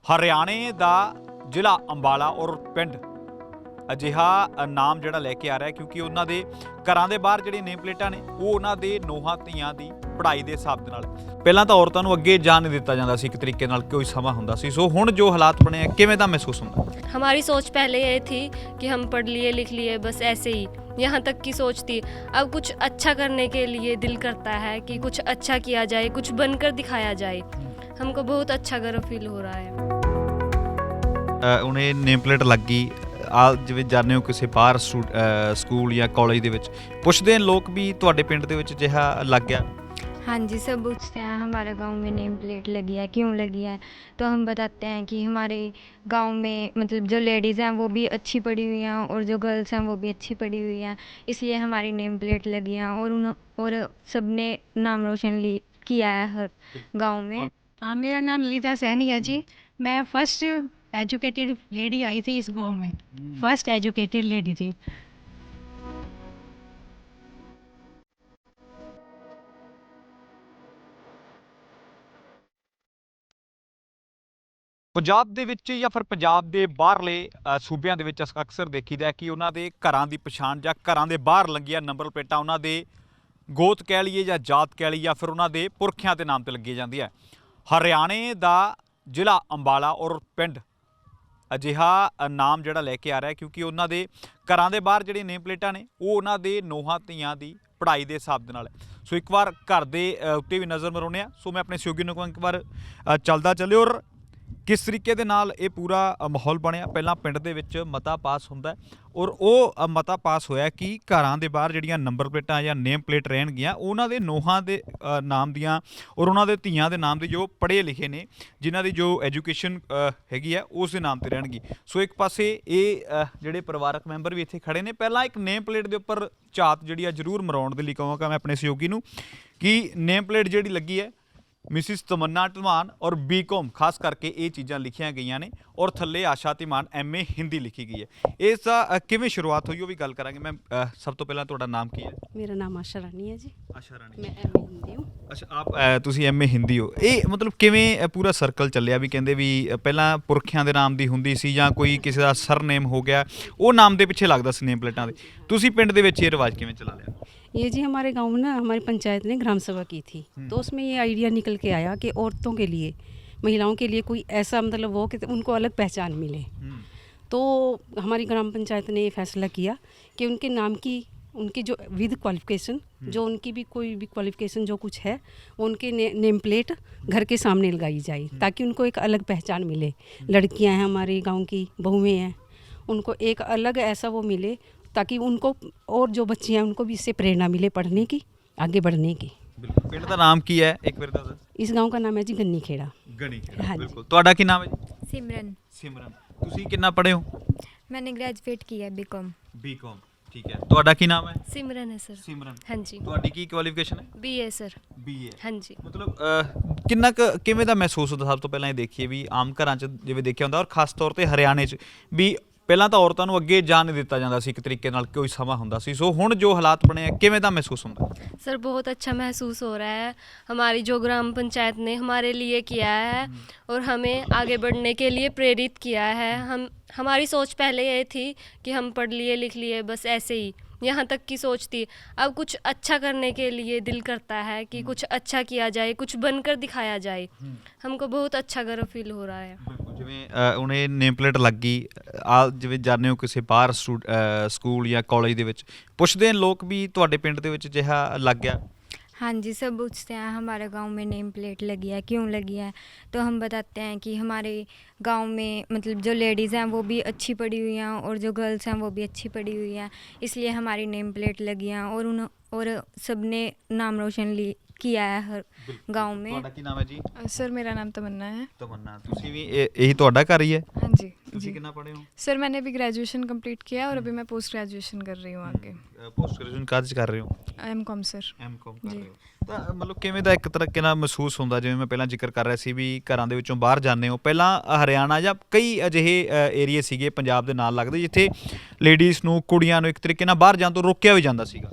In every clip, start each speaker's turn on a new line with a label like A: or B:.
A: ਹਰਿਆਣੇ ਦਾ ਜ਼ਿਲ੍ਹਾ ਅੰਬਾਲਾ ਔਰ ਪਿੰਡ ਅਜਿਹਾ ਨਾਮ ਜਿਹੜਾ ਲੈ ਕੇ ਆ ਰਿਹਾ ਕਿਉਂਕਿ ਉਹਨਾਂ ਦੇ ਘਰਾਂ ਦੇ ਬਾਹਰ ਜਿਹੜੀ ਨੇਮ ਪਲੇਟਾਂ ਨੇ ਉਹ ਉਹਨਾਂ ਦੇ ਨੋਹਾਂ ਧੀਆਂ ਦੀ ਪੜ੍ਹਾਈ ਦੇ ਹਿਸਾਬ ਦੇ ਨਾਲ ਪਹਿਲਾਂ ਤਾਂ ਔਰਤਾਂ ਨੂੰ ਅੱਗੇ ਜਾਣ ਨਹੀਂ ਦਿੱਤਾ ਜਾਂਦਾ ਸੀ ਇੱਕ ਤਰੀਕੇ ਨਾਲ ਕੋਈ ਸਮਾਂ ਹੁੰਦਾ ਸੀ। ਸੋ ਹੁਣ ਜੋ ਹਾਲਾਤ ਬਣੇ ਆ ਕਿਵੇਂ ਦਾ ਮਹਿਸੂਸ ਹੁੰਦਾ?
B: हमारी सोच पहले ये थी कि हम पढ़ लिए लिख लिए बस ऐसे ही, यहाँ तक की सोच थी। अब कुछ अच्छा करने के लिए दिल करता है कि कुछ अच्छा किया जाए, कुछ बनकर दिखाया जाए। हमको बहुत अच्छा गर्व फील हो रहा है।
A: ਉਹਨੇ ਨੇਮ ਪਲੇਟ ਲੱਗ ਗਈ ਆ ਜਿਵੇਂ ਜਾਂਦੇ ਹੋ ਕਿਸੇ ਬਾਹਰ ਸਕੂਲ ਜਾਂ ਕਾਲਜ ਦੇ ਵਿੱਚ ਪੁੱਛਦੇ ਨੇ ਲੋਕ ਵੀ ਤੁਹਾਡੇ ਪਿੰਡ ਦੇ ਵਿੱਚ ਅਜਿਹਾ ਲੱਗ ਗਿਆ?
C: हाँ जी, सब पूछते हैं हमारे गांव में नेम प्लेट लगी है, क्यों लगी है। तो हम बताते हैं कि हमारे गांव में मतलब जो लेडीज़ हैं वो भी अच्छी पढ़ी हुई हैं और जो गर्ल्स हैं वो भी अच्छी पढ़ी हुई हैं, इसलिए हमारी नेम प्लेट लगी है और सब ने नाम रोशन किया है हर गांव में।
D: हाँ, मेरा नाम ललिता सैनी है जी। मैं फर्स्ट एजुकेटेड लेडी आई थी इस गांव में, फर्स्ट एजुकेटेड लेडी थी।
A: ਪੰਜਾਬ ਦੇ ਵਿੱਚ ਜਾਂ ਫਿਰ ਪੰਜਾਬ ਦੇ ਬਾਹਰਲੇ ਸੂਬਿਆਂ ਦੇ ਵਿੱਚ ਅਕਸਰ ਦੇਖੀਦਾ ਕਿ ਉਹਨਾਂ ਦੇ ਘਰਾਂ ਦੀ ਪਛਾਣ ਜਾਂ ਘਰਾਂ ਦੇ ਬਾਹਰ ਲੰਗੀਆਂ ਨੰਬਰ ਪਲੇਟਾਂ ਉਹਨਾਂ ਦੇ ਗੋਤ ਕਹਿ ਲਈਏ ਜਾਂ ਜਾਤ ਕਹਿ ਲਈਏ ਜਾਂ ਫਿਰ ਉਹਨਾਂ ਦੇ ਪੁਰਖਿਆਂ ਦੇ ਨਾਮ ਤੇ ਲੱਗੀ ਜਾਂਦੀ ਹੈ। ਹਰਿਆਣੇ ਦਾ ਜ਼ਿਲ੍ਹਾ ਅੰਬਾਲਾ ਔਰ ਪਿੰਡ ਅਜਿਹਾ ਨਾਮ ਜਿਹੜਾ ਲੈ ਕੇ ਆ ਰਿਹਾ ਕਿਉਂਕਿ ਉਹਨਾਂ ਦੇ ਘਰਾਂ ਦੇ ਬਾਹਰ ਜਿਹੜੀ ਨੇਮ ਪਲੇਟਾਂ ਨੇ ਉਹ ਉਹਨਾਂ ਦੇ ਨੋਹਾਂ ਧੀਆਂ ਦੀ ਪੜ੍ਹਾਈ ਦੇ ਹਿਸਾਬ ਦੇ ਨਾਲ। ਸੋ ਇੱਕ ਵਾਰ ਘਰ ਦੇ ਉੱਤੇ ਵੀ ਨਜ਼ਰ ਮਰਾਉਂਦੇ ਹਾਂ। ਸੋ ਮੈਂ ਆਪਣੇ ਸਹਿਯੋਗੀ ਨੂੰ ਇੱਕ ਵਾਰ ਚੱਲਦਾ ਚੱਲਿਓ ਔਰ ਕਿਸ ਤਰੀਕੇ ਦੇ ਨਾਲ ਇਹ ਪੂਰਾ ਮਾਹੌਲ ਬਣਿਆ। ਪਹਿਲਾਂ ਪਿੰਡ ਦੇ ਵਿੱਚ ਮਤਾ ਪਾਸ ਹੁੰਦਾ ਔਰ ਉਹ ਮਤਾ ਪਾਸ ਹੋਇਆ ਕਿ ਘਰਾਂ ਦੇ ਬਾਹਰ ਜਿਹੜੀਆਂ ਨੰਬਰ ਪਲੇਟਾਂ ਜਾਂ ਨੇਮ ਪਲੇਟ ਰਹਿਣਗੀਆਂ ਉਹਨਾਂ ਦੇ ਨੋਹਾਂ ਦੇ ਨਾਮ ਦੀਆਂ ਔਰ ਉਹਨਾਂ ਦੇ ਧੀਆਂ ਦੇ ਨਾਮ ਦੇ ਜੋ ਪੜ੍ਹੇ ਲਿਖੇ ਨੇ ਜਿਨ੍ਹਾਂ ਦੀ ਜੋ ਐਜੂਕੇਸ਼ਨ ਹੈਗੀ ਆ ਉਸ ਦੇ ਨਾਮ ਤੇ ਰਹਿਣਗੀ। ਸੋ ਇੱਕ ਪਾਸੇ ਇਹ ਜਿਹੜੇ ਪਰਿਵਾਰਕ ਮੈਂਬਰ ਵੀ ਇੱਥੇ ਖੜੇ ਨੇ। ਪਹਿਲਾਂ ਇੱਕ ਨੇਮ ਪਲੇਟ ਦੇ ਉੱਪਰ ਝਾਤ ਜਿਹੜੀ ਆ ਜ਼ਰੂਰ ਮਰਾਉਣ ਦੇ ਲਈ ਕਹਾਂਗਾ ਮੈਂ ਆਪਣੇ ਸਹਿਯੋਗੀ ਨੂੰ ਕਿ ਨੇਮ ਪਲੇਟ ਜਿਹੜੀ ਲੱਗੀ ਹੈ ਮਿਸਿਸ ਤਮੰਨਾ ਧੀਮਾਨ ਔਰ ਬੀਕਾਮ ਖਾਸ ਕਰਕੇ ਇਹ ਚੀਜ਼ਾਂ ਲਿਖੀਆਂ ਗਈਆਂ ਨੇ ਔਰ ਥੱਲੇ ਆਸ਼ਾ ਧੀਮਾਨ MA ਹਿੰਦੀ ਲਿਖੀ ਗਈ ਹੈ। ਇਸ ਦਾ ਕਿਵੇਂ ਸ਼ੁਰੂਆਤ ਹੋਈ ਉਹ ਵੀ ਗੱਲ ਕਰਾਂਗੇ। ਮੈਂ ਸਭ ਤੋਂ ਪਹਿਲਾਂ ਤੁਹਾਡਾ ਨਾਮ ਕੀ ਹੈ?
E: मेरा नाम आशा रानी है जी।
A: ਆਸ਼ਾ ਰਾਣੀ।
E: मैं MA हिंदी हूँ।
A: ਅੱਛਾ ਆਪ ਤੁਸੀਂ MA ਹਿੰਦੀ ਹੋ। ਇਹ ਮਤਲਬ ਕਿਵੇਂ ਪੂਰਾ ਸਰਕਲ ਚੱਲਿਆ ਵੀ ਕਹਿੰਦੇ ਵੀ ਪਹਿਲਾਂ ਪੁਰਖਿਆਂ ਦੇ ਨਾਮ ਦੀ ਹੁੰਦੀ ਸੀ ਜਾਂ ਕੋਈ ਕਿਸੇ ਦਾ ਸਰਨੇਮ ਹੋ ਗਿਆ ਉਹ ਨਾਮ ਦੇ ਪਿੱਛੇ ਲੱਗਦਾ ਸੀ ਨੇਮ ਪਲੇਟਾਂ ਦੇ। ਤੁਸੀਂ ਪਿੰਡ ਦੇ ਵਿੱਚ ਇਹ ਰਿਵਾਜ ਕਿਵੇਂ ਚਲਾ ਲਿਆ?
E: ये जी हमारे गांव में ना हमारी पंचायत ने ग्राम सभा की थी तो उसमें ये आइडिया निकल के आया कि औरतों के लिए महिलाओं के लिए कोई ऐसा मतलब हो कि उनको अलग पहचान मिले। तो हमारी ग्राम पंचायत ने ये फैसला किया कि उनके नाम की उनकी जो विद क्वालिफिकेशन जो उनकी भी कोई भी क्वालिफिकेशन जो कुछ है वो उनके नेम प्लेट घर के सामने लगाई जाए ताकि उनको एक अलग पहचान मिले। लड़कियां हैं हमारे गांव की बहुएं हैं उनको एक अलग ऐसा वो मिले ताकि उनको और जो बच्चे हैं उनको भी इससे प्रेरणा मिले पढ़ने की आगे बढ़ने की।
A: ਬਿਲਕੁਲ। ਪਿੰਡ ਦਾ ਨਾਮ ਕੀ ਹੈ ਇੱਕ ਵਾਰ ਦੱਸ?
E: इस गांव का नाम है जी गन्नी खेड़ा।
A: ਗਣੀ ਖੇੜਾ।
E: हाँ जी।
A: ਬਿਲਕੁਲ। ਤੁਹਾਡਾ ਕੀ ਨਾਮ ਹੈ ਜੀ?
C: सिमरन,
A: ਸਿਮਰਨ। ਤੁਸੀਂ ਕਿੰਨਾ ਪੜ੍ਹੇ ਹੋ?
C: मैंने ग्रेजुएट किया BCom।
A: ਬੀਕਾਮ। ਠੀਕ ਹੈ। ਤੁਹਾਡਾ ਕੀ ਨਾਮ ਹੈ?
B: सिमरन है सर।
A: ਸਿਮਰਨ।
B: हाँ जी।
A: ਤੁਹਾਡੀ ਕੀ ਕੁਆਲੀਫਿਕੇਸ਼ਨ ਹੈ?
B: BA sir.
A: BA।
B: हाँ जी।
A: ਮਤਲਬ ਕਿੰਨਾ ਕੁ ਕਿਵੇਂ ਦਾ ਮਹਿਸੂਸ ਹੁੰਦਾ? ਸਭ ਤੋਂ ਪਹਿਲਾਂ ਇਹ ਦੇਖੀਏ ਵੀ ਆਮ ਘਰਾਂ 'ਚ ਜਿਵੇਂ ਦੇਖਿਆ ਹੁੰਦਾ ਔਰ ਖਾਸ ਤੌਰ ਤੇ ਹਰਿਆਣੇ 'ਚ ਵੀ ਪਹਿਲਾਂ ਤਾਂ ਔਰਤਾਂ ਨੂੰ ਅੱਗੇ ਜਾਣ ਨਹੀਂ ਦਿੱਤਾ ਜਾਂਦਾ ਸੀ ਇੱਕ ਤਰੀਕੇ ਨਾਲ ਕੋਈ ਸਮਾਂ ਹੁੰਦਾ ਸੀ। ਸੋ ਹੁਣ ਜੋ ਹਾਲਾਤ ਬਣੇ ਆ ਕਿਵੇਂ ਦਾ ਮਹਿਸੂਸ ਹੁੰਦਾ?
B: सर बहुत अच्छा महसूस हो रहा है। हमारी जो ग्राम पंचायत ने हमारे लिए किया है और हमें आगे बढ़ने के लिए प्रेरित किया है। हमारी सोच पहले ये थी कि हम पढ़ लिए लिख लिए बस ऐसे ही, यहाँ तक की सोच थी। अब कुछ अच्छा करने के लिए दिल करता है कि कुछ अच्छा किया जाए, कुछ बनकर दिखाया जाए। हमको बहुत अच्छा गर्व फील हो रहा है।
A: ਜਿਵੇਂ ਉਹਨੇ ਨੇਮ ਪਲੇਟ ਲੱਗ ਗਈ ਆ ਜਿਵੇਂ ਜਾਂਦੇ ਹੋ ਕਿਸੇ ਬਾਹਰ ਸਕੂਲ ਜਾਂ ਕਾਲਜ ਦੇ ਵਿੱਚ ਪੁੱਛਦੇ ਨੇ ਲੋਕ ਵੀ ਤੁਹਾਡੇ ਪਿੰਡ ਦੇ ਵਿੱਚ ਅਜਿਹਾ ਲੱਗ ਗਿਆ?
C: हाँ जी, सब पूछते हैं हमारे गांव में नेम प्लेट लगी है, क्यों लगी है। तो हम बताते हैं कि हमारे गांव में मतलब जो लेडीज़ हैं वो भी अच्छी पढ़ी हुई हैं और जो गर्ल्स हैं वो भी अच्छी पढ़ी हुई हैं, इसलिए हमारी नेम प्लेट लगी हैं और सब ने नाम रोशन किया है हर गांव में।
A: ਤੁਹਾਡਾ ਕੀ ਨਾਮ ਹੈ ਜੀ?
F: सर मेरा नाम तमन्ना है।
A: ਤਮੰਨਾ। ਤੁਸੀਂ ਵੀ ਇਹੀ ਤੁਹਾਡਾ ਘਰ ਹੀ ਹੈ?
F: हाँ जी
A: ਤੁਸੀਂ
F: जी।
A: ਕਿੰਨਾ ਪੜ੍ਹੇ ਹੋ?
F: सर मैंने अभी ग्रेजुएशन कंप्लीट किया है और अभी मैं पोस्ट ग्रेजुएशन कर रही हूँ आगे।
A: ਪੋਸਟ ਗ੍ਰੈਜੂਏਸ਼ਨ ਕਾਹਦੇ 'ਚ ਕਰ ਰਹੇ ਹੋ?
F: MCom sir.
A: MCom ਕਰ
F: ਜੀ।
A: ਰਹੇ ਹੋ। ਤਾਂ ਮਤਲਬ ਕਿਵੇਂ ਦਾ ਇੱਕ ਤਰੀਕੇ ਨਾਲ ਮਹਿਸੂਸ ਹੁੰਦਾ ਜਿਵੇਂ ਮੈਂ ਪਹਿਲਾਂ ਜ਼ਿਕਰ ਕਰ ਰਿਹਾ ਸੀ ਵੀ ਘਰਾਂ ਦੇ ਵਿੱਚੋਂ ਬਾਹਰ ਜਾਂਦੇ ਹੋ? ਪਹਿਲਾਂ ਹਰਿਆਣਾ ਜਾਂ ਕਈ ਅਜਿਹੇ ਏਰੀਏ ਸੀਗੇ ਪੰਜਾਬ ਦੇ ਨਾਲ ਲੱਗਦੇ ਜਿੱਥੇ ਲੇਡੀਜ਼ ਨੂੰ ਕੁੜੀਆਂ ਨੂੰ ਇੱਕ ਤਰੀਕੇ ਨਾਲ ਬਾਹਰ ਜਾਣ ਤੋਂ ਰੋਕਿਆ ਵੀ ਜਾਂਦਾ ਸੀਗਾ।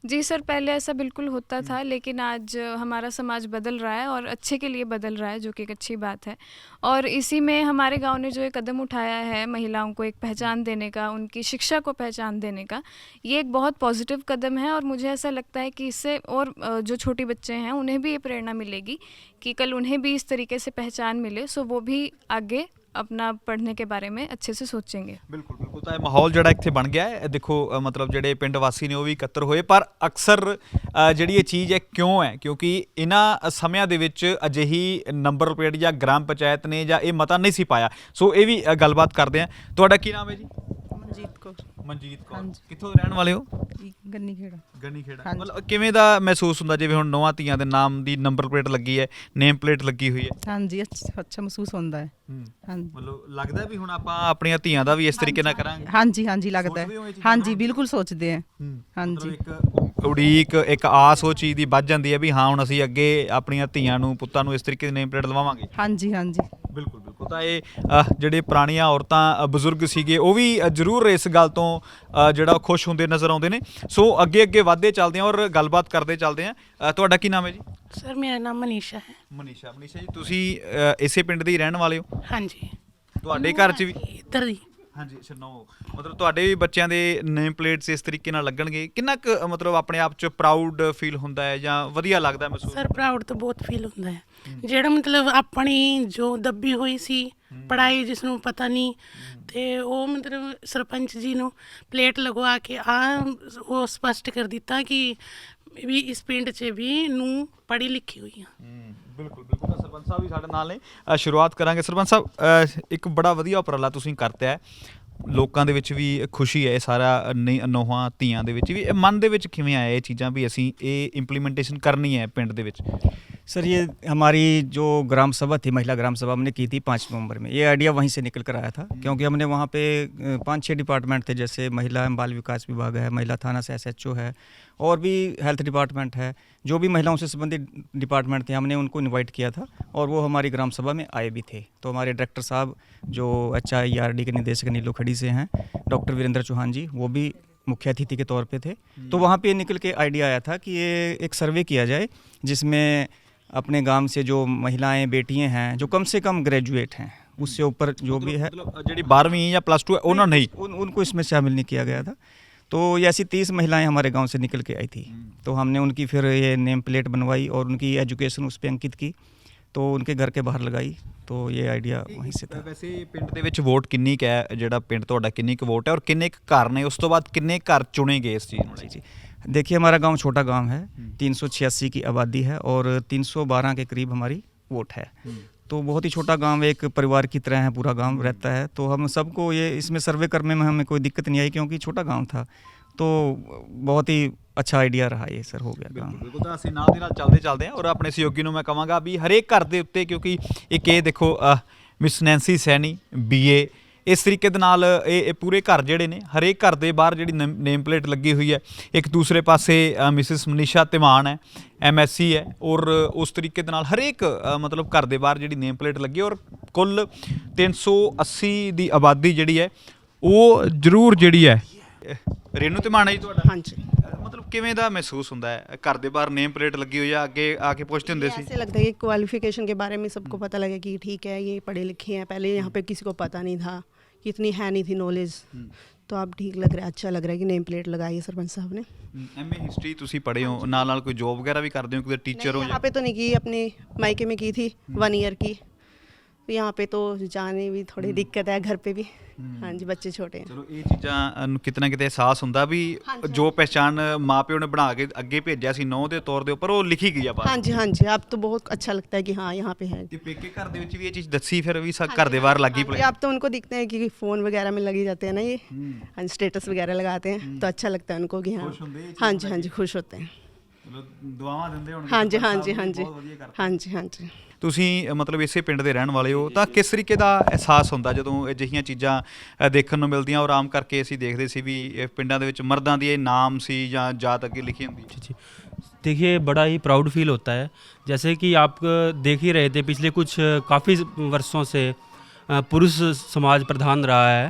F: जी सर, पहले ऐसा बिल्कुल होता था, लेकिन आज हमारा समाज बदल रहा है और अच्छे के लिए बदल रहा है, जो कि एक अच्छी बात है। और इसी में हमारे गांव ने जो एक कदम उठाया है महिलाओं को एक पहचान देने का, उनकी शिक्षा को पहचान देने का, ये एक बहुत पॉजिटिव कदम है। और मुझे ऐसा लगता है कि इससे और जो छोटे बच्चे हैं उन्हें भी ये प्रेरणा मिलेगी कि कल उन्हें भी इस तरीके से पहचान मिले, सो वो भी आगे अपना पढ़ने के बारे में अच्छे से सोचेंगे।
A: ਬਿਲਕੁਲ ਬਿਲਕੁਲ ਤਾਂ ਇਹ ਮਾਹੌਲ ਜਿਹੜਾ ਇੱਥੇ ਬਣ ਗਿਆ ਹੈ ਦੇਖੋ ਮਤਲਬ ਜਿਹੜੇ ਪਿੰਡ ਵਾਸੀ ਨੇ ਉਹ ਵੀ ਇਕੱਤਰ ਹੋਏ ਪਰ ਅਕਸਰ ਜਿਹੜੀ ਇਹ ਚੀਜ਼ ਹੈ ਕਿਉਂ ਹੈ ਕਿਉਂਕਿ ਇਹਨਾਂ ਸਮਿਆਂ ਦੇ ਵਿੱਚ ਅਜਿਹੀ ਨੰਬਰ ਪਲੇਟ ਜਾਂ ਗ੍ਰਾਮ ਪੰਚਾਇਤ ਨੇ ਜਾਂ ਇਹ ਮਤਾ ਨਹੀਂ ਸੀ ਪਾਇਆ ਸੋ ਇਹ ਵੀ ਗੱਲਬਾਤ ਕਰਦੇ ਆ ਤੁਹਾਡਾ ਕੀ ਨਾਮ ਹੈ ਜੀ
G: ਮਨਜੀਤ ਕੌਰ
A: ਮਨਜੀਤ ਕੌਰ
G: ਹਾਂਜੀ।
A: ਕਿੱਥੋਂ ਦੇ ਰਹਿਣ ਵਾਲੇ ਹੋ
G: ਗੰਨੀ ਖੇੜਾ
A: ਗੰਨੀ ਖੇੜਾ
G: ਹਾਂਜੀ।
A: ਮਤਲਬ ਕਿਵੇਂ ਦਾ ਮਹਿਸੂਸ ਹੁੰਦਾ ਜਿਵੇਂ ਹੁਣ ਨੌਵਾਂ ਧੀਆਂ ਦੇ ਨਾਮ ਦੀ ਨੰਬਰ ਪਲੇਟ ਲੱਗੀ ਹੈ ਨੇਮ ਪਲੇਟ ਲੱਗੀ ਹੋਈ ਹੈ
G: ਹਾਂਜੀ ਅੱਛਾ ਮਹਿਸੂਸ ਹੁੰਦਾ ਹੈ ਹਾਂਜੀ
A: ਮਤਲਬ ਲੱਗਦਾ ਵੀ ਹੁਣ ਆਪਾਂ ਆਪਣੀਆਂ ਧੀਆਂ ਦਾ ਵੀ ਇਸ ਤਰੀਕੇ ਨਾਲ ਕਰਾਂਗੇ
G: ਹਾਂਜੀ ਹਾਂਜੀ ਲੱਗਦਾ
A: ਸੋਚਦੇ ਹੋ
G: ਹੈ
A: ਇਹ ਚੀਜ਼ਾਂ
G: ਹਾਂਜੀ
A: ਨਾਲ?
G: ਬਿਲਕੁਲ ਸੋਚਦੇ ਆ ਹਾਂਜੀ
A: ਮਤਲਬ ਇੱਕ ਉਡੀਕ ਇੱਕ ਆਸ ਉਹ ਚੀਜ਼ ਦੀ ਵੱਧ ਜਾਂਦੀ ਹੈ ਵੀ ਹਾਂ ਹੁਣ ਅਸੀਂ ਅੱਗੇ ਆਪਣੀਆਂ ਧੀਆਂ ਨੂੰ ਪੁੱਤਾਂ ਨੂੰ ਇਸ ਤਰੀਕੇ ਦੀ ਨੇਮ ਪਲੇਟ ਲਵਾਵਾਂਗੇ
G: ਹਾਂਜੀ ਹਾਂਜੀ
A: ਬਿਲਕੁਲ ਬਿਲਕੁਲ ਤਾਂ ਇਹ ਜਿਹੜੇ ਪੁਰਾਣੀਆਂ ਔਰਤਾਂ ਬਜ਼ੁਰਗ ਸੀਗੇ ਉਹ ਵੀ ਜ਼ਰੂਰ ਇਸ ਗੱਲ ਤੋਂ ਜਿਹੜਾ ਖੁਸ਼ ਹੁੰਦੇ ਨਜ਼ਰ ਆਉਂਦੇ ਨੇ ਸੋ ਅੱਗੇ ਅੱਗੇ ਵਧਦੇ ਚੱਲਦੇ ਹਾਂ ਔਰ ਗੱਲਬਾਤ ਕਰਦੇ ਚੱਲਦੇ ਹਾਂ ਤੁਹਾਡਾ ਕੀ ਨਾਮ ਹੈ ਜੀ
H: सर मेरा नाम मनीषा है।
A: ਮਨੀਸ਼ਾ ਜੀ ਤੁਸੀਂ ਇਸੇ ਪਿੰਡ ਦੇ ਹੀ ਰਹਿਣ ਵਾਲੇ ਹੋ
H: हाँ जी,
A: ਤੁਹਾਡੇ ਘਰ 'ਚ ਵੀ
H: इधर ही
A: ਹਾਂਜੀ ਛਨੋ ਮਤਲਬ ਤੁਹਾਡੇ ਵੀ ਬੱਚਿਆਂ ਦੇ ਨੇਮ ਪਲੇਟਸ ਇਸ ਤਰੀਕੇ ਨਾਲ ਲੱਗਣਗੇ ਕਿੰਨਾ ਕੁ ਮਤਲਬ ਆਪਣੇ ਆਪ 'ਚ ਪ੍ਰਾਊਡ ਫੀਲ ਹੁੰਦਾ ਹੈ ਜਾਂ ਵਧੀਆ ਲੱਗਦਾ ਮਹਿਸੂਸ
H: सर प्राउड तो बहुत फील होता है ਜਿਹੜਾ ਮਤਲਬ ਆਪਣੀ ਜੋ ਦੱਬੀ ਹੋਈ ਸੀ ਪੜਾਈ ਜਿਸ ਨੂੰ ਪਤਾ ਨਹੀਂ ਤੇ ਉਹ ਮਤਲਬ ਸਰਪੰਚ ਜੀ ਨੂੰ ਪਲੇਟ ਲਗਵਾ ਕੇ ਉਹ ਸਪਸ਼ਟ ਕਰ ਦਿੱਤਾ ਕਿ ਵੀ ਇਸ ਪਿੰਡ 'ਚ ਵੀ ਨੂੰ ਪੜ੍ਹੀ ਲਿਖੀ ਹੋਈ ਆ।
A: ਬਿਲਕੁਲ ਬਿਲਕੁਲ ਤਾਂ ਸਰਪੰਚ ਸਾਹਿਬ ਵੀ ਸਾਡੇ ਨਾਲ ਨੇ ਸ਼ੁਰੂਆਤ ਕਰਾਂਗੇ ਸਰਪੰਚ ਸਾਹਿਬ ਇੱਕ ਬੜਾ ਵਧੀਆ ਉਪਰਾਲਾ ਤੁਸੀਂ ਕਰਤਾ ਹੈ ਲੋਕਾਂ ਦੇ ਵਿੱਚ ਵੀ ਖੁਸ਼ੀ ਹੈ ਇਹ ਸਾਰਾ ਨੌਹਾਂ ਧੀਆਂ ਦੇ ਵਿੱਚ ਵੀ ਇਹ ਮਨ ਦੇ ਵਿੱਚ ਕਿਵੇਂ ਆਇਆ ਇਹ ਚੀਜ਼ਾਂ ਵੀ ਅਸੀਂ ਇਹ ਇੰਪਲੀਮੈਂਟੇਸ਼ਨ ਕਰਨੀ ਹੈ ਪਿੰਡ ਦੇ ਵਿੱਚ
I: सर ये हमारी जो ग्राम सभा थी महिला ग्राम सभा हमने की थी 5 नवंबर में ये आइडिया वहीं से निकल कर आया था क्योंकि हमने वहाँ पे 5-6 डिपार्टमेंट थे जैसे महिला एवं बाल विकास विभाग है महिला थाना से SHO है और भी हेल्थ डिपार्टमेंट है जो भी महिलाओं से संबंधित डिपार्टमेंट थे हमने उनको इनवाइट किया था और वो हमारी ग्राम सभा में आए भी थे। तो हमारे डायरेक्टर साहब जो HIERD के निदेशक नीलो खड़ी से हैं डॉक्टर वीरेंद्र चौहान जी वो भी मुख्य अतिथि के तौर पे थे। तो वहाँ पे निकल के आइडिया आया था कि ये एक सर्वे किया जाए जिसमें अपने गांव से जो महिलाएं बेटियां हैं जो कम से कम ग्रेजुएट हैं उससे ऊपर जो भी है
A: ਜਿਹੜੀ 12ਵੀं या +2 है ਉਹਨਾਂ नहीं
I: उनको इसमें शामिल नहीं किया गया था। तो ये ऐसी 30 महिलाएं हमारे गांव से निकल के आई थी तो हमने उनकी फिर ये नेम प्लेट बनवाई और उनकी एजुकेशन उस पर अंकित की तो उनके घर के बाहर लगाई तो ये आइडिया वहीं से था।
A: ਵੈਸੇ ਪਿੰਡ ਦੇ ਵਿੱਚ ਵੋਟ ਕਿੰਨੀ ਕੁ ਹੈ ਜਿਹੜਾ ਪਿੰਡ ਤੁਹਾਡਾ ਕਿੰਨੀ ਕੁ ਵੋਟ ਹੈ ਔਰ ਕਿੰਨੇ ਕੁ ਘਰ ਨੇ ਉਸ ਤੋਂ ਬਾਅਦ ਕਿੰਨੇ ਘਰ ਚੁਣੇ ਗਏ ਇਸ ਚੀਜ਼ ਨੂੰ
I: जी जी देखिए हमारा गांव छोटा गांव है 386 की आबादी है और 312 के करीब हमारी वोट है तो बहुत ही छोटा गांव एक परिवार की तरह है पूरा गांव रहता है तो हम सबको ये इसमें सर्वे करने में हमें कोई दिक्कत नहीं आई क्योंकि छोटा गांव था तो बहुत ही अच्छा आइडिया रहा ये सर हो गया काम।
A: ਬਿਲਕੁਲ ਤਾਂ ਅਸੀਂ ਨਾਲ ਦੀ ਨਾਲ ਚੱਲਦੇ ਹਾਂ ਔਰ ਆਪਣੇ ਸਹਿਯੋਗੀ ਨੂੰ ਮੈਂ ਕਹਾਂਗਾ ਵੀ ਹਰੇਕ ਘਰ ਦੇ ਉੱਤੇ ਕਿਉਂਕਿ ਇੱਕ ਇਹ ਦੇਖੋ ਮਿਸ ਨੈਂਸੀ ਸੈਣੀ BA ਇਸ ਤਰੀਕੇ ਦੇ ਨਾਲ ਇਹ ਪੂਰੇ ਘਰ ਜਿਹੜੇ ਨੇ ਹਰੇਕ ਘਰ ਦੇ ਬਾਹਰ ਜਿਹੜੀ ਨੇਮ ਪਲੇਟ ਲੱਗੀ ਹੋਈ ਹੈ ਇੱਕ ਦੂਸਰੇ ਪਾਸੇ ਮਿਸਿਸ ਮਨੀਸ਼ਾ ਧੀਮਾਨ ਹੈ MSc ਹੈ ਔਰ ਉਸ ਤਰੀਕੇ ਦੇ ਨਾਲ ਹਰੇਕ ਮਤਲਬ ਘਰ ਦੇ ਬਾਹਰ ਜਿਹੜੀ ਨੇਮ ਪਲੇਟ ਲੱਗੀ ਔਰ ਕੁੱਲ 380 ਦੀ ਆਬਾਦੀ ਜਿਹੜੀ ਹੈ ਉਹ ਜ਼ਰੂਰ ਜਿਹੜੀ ਹੈ ਰੇਨੂ ਧੀਮਾਨ ਹੈ ਜੀ ਤੁਹਾਡਾ
J: ਹਾਂਜੀ
A: ਮਤਲਬ ਕਿਵੇਂ ਦਾ ਮਹਿਸੂਸ ਹੁੰਦਾ ਹੈ ਘਰ ਦੇ ਬਾਹਰ ਨੇਮ ਪਲੇਟ ਲੱਗੀ ਹੋਈ ਆ ਅੱਗੇ ਆ ਕੇ ਪੁੱਛਦੇ ਹੁੰਦੇ ਸੀ
J: ऐसे लगता है कि क्वालिफिकेशन के बारे में सबको पता लगे कि ठीक है ये पढ़े लिखे हैं पहले यहाँ पे किसी को पता नहीं था कि इतनी है नहीं थी नॉलेज तो अब ठीक लग रहा है अच्छा लग रहा है कि नेम प्लेट लगाई है सरपंच साहब ने।
A: MA हिस्ट्री ਤੁਸੀਂ ਪੜ੍ਹੇ ਹੋ ਨਾਲ ਨਾਲ ਕੋਈ ਜੋਬ ਵਗੈਰਾ ਵੀ ਕਰਦੇ ਹੋ ਕੋਈ ਟੀਚਰ ਹੋ
J: यहाँ पे तो नहीं की अपने मायके में की थी 1 ईयर की तो यहाँ पे तो जाने भी थोड़ी दिक्कत है घर पे भी हाँ जी बच्चे छोटे हैं।
A: ਚਲੋ ਇਹ ਚੀਜ਼ਾਂ ਨੂੰ ਕਿਤੇ ਨਾ ਕਿਤੇ ਅਹਿਸਾਸ ਹੁੰਦਾ ਵੀ ਜੋ ਪਹਿਚਾਣ ਮਾਪਿਓ ਨੇ ਬਣਾ ਕੇ ਅੱਗੇ ਭੇਜਿਆ ਸੀ ਨੌ ਦੇ ਤੌਰ ਦੇ ਉੱਪਰ ਉਹ ਲਿਖੀ ਗਈ ਆ ਬਾਹਰ।
J: हाँ जी हाँ जी अब तो बहुत अच्छा लगता है कि हाँ यहाँ पे है।
A: ਤੇ ਪੇਕੇ ਘਰ ਦੇ ਵਿੱਚ ਵੀ ਇਹ ਚੀਜ਼ ਦੱਸੀ ਫਿਰ ਵੀ ਘਰ ਦੇ ਬਾਹਰ ਲੱਗੀ ਪਈ
J: अब तो उनको दिखते हैं कि फ़ोन वगैरह में लगे जाते हैं ना ये हाँ स्टेटस वगैरह लगाते हैं तो अच्छा लगता है उनको कि हाँ हाँ जी खुश होते हैं।
A: ਚਲੋ ਦੁਆਵਾਂ ਦਿੰਦੇ ਹੋਣਗੇ
J: हाँ जी हाँ जी हाँ जी हाँ जी हाँ जी।
A: ਤੁਸੀਂ ਮਤਲਬ ਇਸੇ ਪਿੰਡ ਦੇ ਰਹਿਣ ਵਾਲੇ ਹੋ ਤਾਂ ਕਿਸ ਤਰੀਕੇ ਦਾ ਅਹਿਸਾਸ ਹੁੰਦਾ ਜਦੋਂ ਅਜਿਹੀਆਂ ਚੀਜ਼ਾਂ ਦੇਖਣ ਨੂੰ ਮਿਲਦੀਆਂ ਔਰ ਆਮ ਕਰਕੇ ਅਸੀਂ ਦੇਖਦੇ ਸੀ ਵੀ ਇਹ ਪਿੰਡਾਂ ਦੇ ਵਿੱਚ ਮਰਦਾਂ ਦੀ ਇਹ ਨਾਮ ਸੀ ਜਾਂ ਜਾਤ ਅੱਗੇ ਲਿਖੀ ਹੁੰਦੀ
K: जी देखिए बड़ा ही प्राउड फील होता है जैसे कि आप देख ही रहे थे पिछले कुछ काफ़ी वर्षों से पुरुष समाज प्रधान रहा है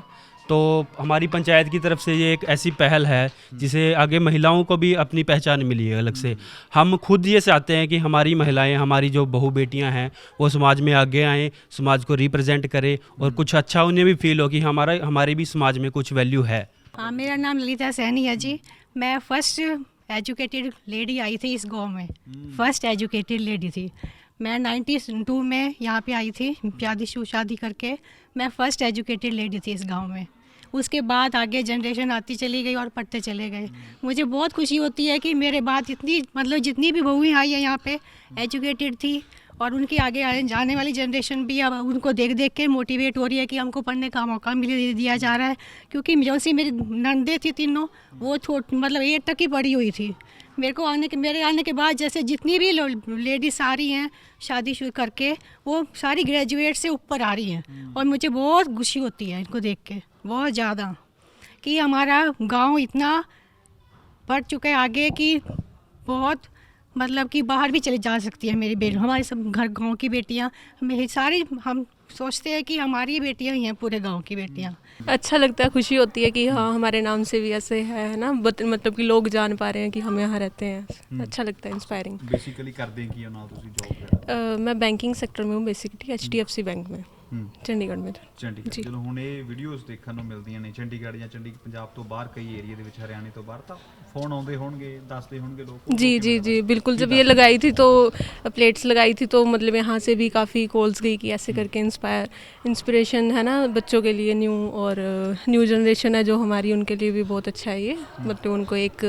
K: तो हमारी पंचायत की तरफ से ये एक ऐसी पहल है जिसे आगे महिलाओं को भी अपनी पहचान मिली है अलग से। हम खुद ये चाहते हैं कि हमारी महिलाएं, हमारी जो बहू बेटियां हैं वो समाज में आगे आएँ, समाज को रिप्रेजेंट करें और कुछ अच्छा उन्हें भी फील हो कि हमारी भी समाज में कुछ वैल्यू है।
D: हाँ, मेरा नाम ललिता सैनी है जी। मैं फर्स्ट एजुकेटेड लेडी आई थी इस गांव में, फर्स्ट एजुकेटेड लेडी थी। मैं 92 में यहाँ पे आई थी, शादी करके मैं फर्स्ट एजुकेटेड लेडी थी इस गांव में। उसके बाद आगे जनरेशन आती चली गई और पढ़ते चले गए। मुझे बहुत खुशी होती है कि मेरे बाद जितनी भी बहुएं आई हैं यहाँ पे एजुकेटेड थी, और उनकी आगे जाने वाली जनरेशन भी अब उनको देख देख के मोटिवेट हो रही है कि हमको पढ़ने का मौका दिया जा रहा है। क्योंकि जो सी मेरी नंदे थी तीनों, वो 8 तक ही पढ़ी हुई थी। मेरे आने के बाद जैसे जितनी भी लेडीज आ रही हैं शादी शुरू करके, वो सारी ग्रेजुएट से ऊपर आ रही हैं, और मुझे बहुत खुशी होती है इनको देख के, बहुत ज़्यादा, कि हमारा गांव इतना बढ़ चुका है आगे कि बहुत कि बाहर भी चले जा सकती है मेरी बेटी। हमारे सब गांव की बेटियां, मेरी सारी, हम सोचते हैं कि हमारी बेटियां ही हैं पूरे गांव की बेटियां।
B: अच्छा लगता है, खुशी होती है कि हाँ हमारे नाम से भी ऐसे है ना, मतलब कि लोग जान पा रहे हैं कि हम यहाँ रहते हैं। अच्छा लगता है, इंस्पायरिंग।
A: बेसिकली करते हैं कि ना ਤੁਸੀਂ जॉब?
B: मैं बैंकिंग सेक्टर में हूँ बेसिकली, HDFC बैंक में, ਚੰਡੀਗੜ੍ਹ में।
A: ਚੰਡੀਗੜ੍ਹ। ਚਲੋ ਹੁਣ ਇਹ ਵੀਡੀਓਜ਼ ਦੇਖਣ ਨੂੰ ਮਿਲਦੀਆਂ ਨੇ ਚੰਡੀਗੜ੍ਹ ਜਾਂ ਪੰਜਾਬ ਤੋਂ ਬਾਹਰ, ਕਈ ਏਰੀਆ ਦੇ ਵਿੱਚ, ਹਰਿਆਣੇ ਤੋਂ ਬਾਹਰ, ਤਾਂ ਫੋਨ ਆਉਂਦੇ ਹੋਣਗੇ, ਦੱਸਦੇ होंगे लोग?
B: जी जी जी बिल्कुल। जब ये लगाई थी तो प्लेट्स लगाई थी तो मतलब यहाँ से भी काफ़ी कॉल्स गई कि ऐसे करके इंस्पिरेशन है ना बच्चों के लिए, न्यू जनरेशन है जो हमारी, उनके लिए भी बहुत अच्छा है ये। मतलब उनको एक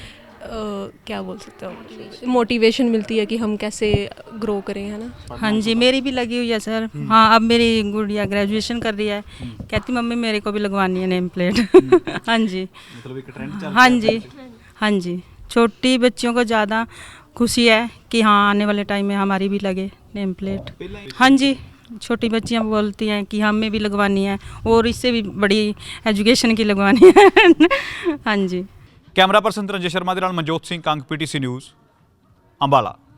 B: क्या बोल सकते हो, मोटिवेशन मिलती है कि हम कैसे ग्रो करें, है ना।
G: हाँ जी, मेरी भी लगी हुई है सर। हाँ, अब मेरी गुड़िया ग्रेजुएशन कर रही है, कहती मम्मी मेरे को भी लगवानी है नेम प्लेट। हाँ जी,
A: मतलब एक ट्रेंड चल
G: हाँ जी, हाँ जी। छोटी बच्चियों को ज़्यादा खुशी है कि हाँ आने वाले टाइम में हमारी भी लगे नेम प्लेट। हाँ जी, छोटी बच्चियाँ बोलती हैं कि हमें भी लगवानी है, और इससे भी बड़ी एजुकेशन की लगवानी है। हाँ जी।
A: ਕੈਮਰਾ ਪਰਸਨ ਰੰਜਨ ਸ਼ਰਮਾ ਦੇ ਨਾਲ ਮਨਜੋਤ ਸਿੰਘ ਕੰਗ, PTC ਨਿਊਜ਼, ਅੰਬਾਲਾ।